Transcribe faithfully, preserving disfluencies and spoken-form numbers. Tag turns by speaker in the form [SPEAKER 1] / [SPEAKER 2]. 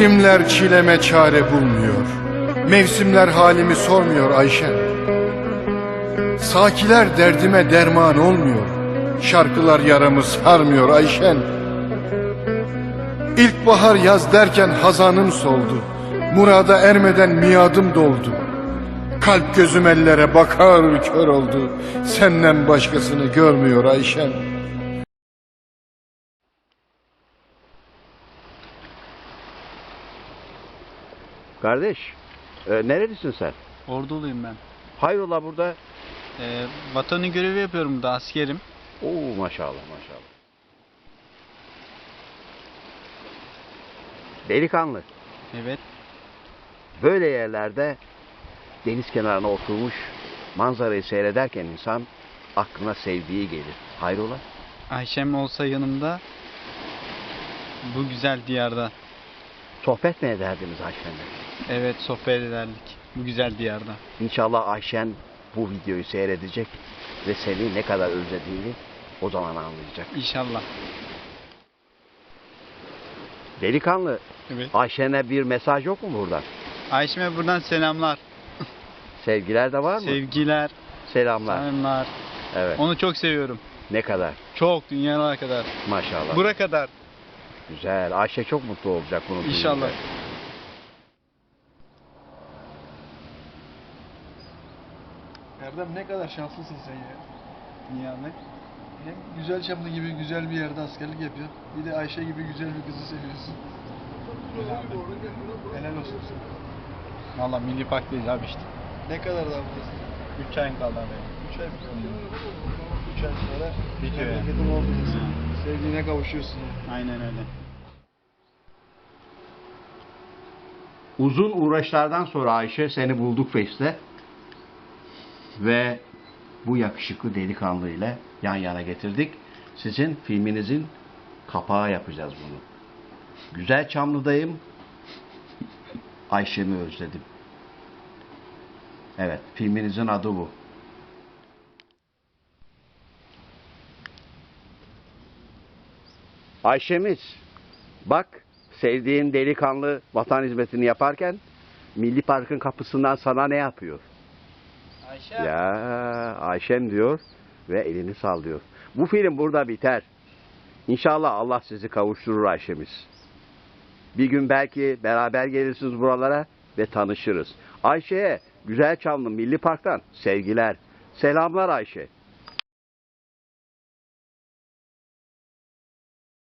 [SPEAKER 1] Günler çileme çare bulmuyor, mevsimler halimi sormuyor Ayşen. Sakiler derdime derman olmuyor, şarkılar yaramı sarmıyor Ayşen. İlkbahar yaz derken hazanım soldu, murada ermeden miadım doldu. Kalp gözüm ellere bakar kör oldu, senden başkasını görmüyor Ayşen.
[SPEAKER 2] Kardeş, e, nerelisin sen?
[SPEAKER 3] Orduluyum ben.
[SPEAKER 2] Hayrola burada?
[SPEAKER 3] Ee, vatanı görevi yapıyorum burada, askerim.
[SPEAKER 2] Oo maşallah maşallah. Delikanlı,
[SPEAKER 3] Evet.
[SPEAKER 2] böyle yerlerde deniz kenarına oturmuş manzarayı seyrederken insan aklına sevdiği gelir. Hayrola?
[SPEAKER 3] Ayşem olsa yanımda bu güzel diyarda.
[SPEAKER 2] Sohbet mi ederdiniz Ayşen'le?
[SPEAKER 3] Evet, sohbet ederdik bu güzel diyarda.
[SPEAKER 2] İnşallah Ayşen bu videoyu seyredecek ve seni ne kadar özlediğini o zaman anlayacak.
[SPEAKER 3] İnşallah.
[SPEAKER 2] Delikanlı,
[SPEAKER 3] Evet.
[SPEAKER 2] Ayşen'e bir mesaj yok mu buradan?
[SPEAKER 3] Ayşem'e buradan selamlar.
[SPEAKER 2] Sevgiler de var mı?
[SPEAKER 3] Sevgiler,
[SPEAKER 2] Selamlar.
[SPEAKER 3] selamlar.
[SPEAKER 2] Evet.
[SPEAKER 3] Onu çok seviyorum.
[SPEAKER 2] Ne kadar?
[SPEAKER 3] Çok, dünyalara kadar.
[SPEAKER 2] Maşallah.
[SPEAKER 3] Bura kadar.
[SPEAKER 2] Güzel. Ayşe çok mutlu olacak bunu duyunca.
[SPEAKER 3] İnşallah.
[SPEAKER 4] Erdem ne kadar şanslısın sen ya.
[SPEAKER 3] Niye abi?
[SPEAKER 4] Hem güzel Çamlı gibi güzel bir yerde askerlik yapıyorsun. Bir de Ayşe gibi güzel bir kızı seviyorsun. Helal olsun sana.
[SPEAKER 3] Valla milli parktayız abi işte.
[SPEAKER 4] Ne kadar daha buradasın?
[SPEAKER 3] üç ayın kaldı abi.
[SPEAKER 4] üç ay mı kaldı? üç ay sonra
[SPEAKER 3] Bitiyor yani.
[SPEAKER 4] memleketin oradasın.
[SPEAKER 3] Hı.
[SPEAKER 4] Sevdiğine kavuşuyorsun ya.
[SPEAKER 3] Aynen öyle.
[SPEAKER 2] Uzun uğraşlardan sonra Ayşe seni bulduk Face'te ve bu yakışıklı delikanlı ile yan yana getirdik. Sizin filminizin kapağı yapacağız bunu. Güzel Çamlı'dayım. Ayşe'mi özledim. Evet, filminizin adı bu. Ayşe'miz, bak sevdiğin delikanlı vatan hizmetini yaparken Milli Park'ın kapısından sana ne yapıyor?
[SPEAKER 3] Ayşe.
[SPEAKER 2] Ya Ayşem diyor ve elini sallıyor. Bu film burada biter. İnşallah Allah sizi kavuşturur Ayşemiz. Bir gün belki beraber gelirsiniz buralara ve tanışırız. Ayşe'ye Güzelçamlı Milli Park'tan sevgiler. Selamlar Ayşe.